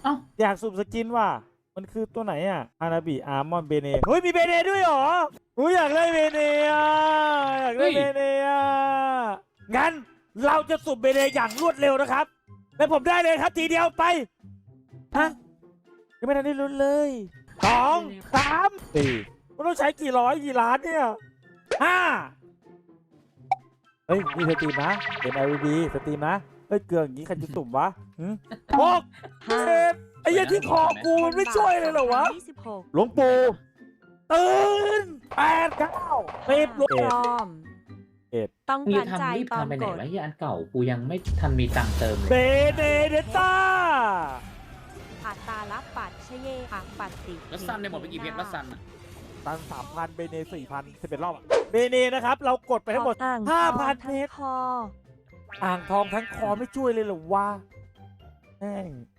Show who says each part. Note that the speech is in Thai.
Speaker 1: อ้า
Speaker 2: อยากสุ่มสกินว่ะมันคือตัวไหนอ่ะอานาบิอาร์มอนเบเนเฮ้ยมีเบเนด้วยเหรออยากได้เบเนอ่ะอยากได้เบเนอ่ะงั้นเราจะสุ่มเบเนอย่างรวดเร็วนะครับและผมได้เลยครับทีเดียวไปฮะยังไม่ทันได้ลุ้นเลย2 3 4มันต้องใช้กี่ร้อยกี่ล้านเนี่ย5เฮ้ยนี่สตรีมนะเป็น LED สตรีมนะเฮ้ยเกลืออย่างนี้ใครจะสุ่มวะ6 7ไอ้ยันที่คอกูมันไม่ช่วยเลยเหรอวะหลวงปู่ตื่น8 9 10
Speaker 3: พร้อมต้อง
Speaker 1: มึง
Speaker 3: การ
Speaker 1: จะ
Speaker 3: ใจ
Speaker 1: ทำรีบ
Speaker 3: ตอน
Speaker 1: ทำไปไหน
Speaker 3: กด
Speaker 1: วะที่อันเก่ากูยังไม่ทันมีตังค์เติมเล
Speaker 2: เบ
Speaker 1: ย
Speaker 2: เนเดต้า
Speaker 3: อัตตาลับปัดชเยอักปัดติ
Speaker 4: รัสซันเนี่ยหมดไปกี่เพชรรัสซันอ่ะ
Speaker 2: ตัน 3,000 เบเน 4,000 11 รอบเบเนนะครับ เรากดไปทั้งหมด 5,000 เพชร
Speaker 3: คอ
Speaker 2: อ่างทองทั้งคอไม่ช่วยเลยเหรอวะแม่ง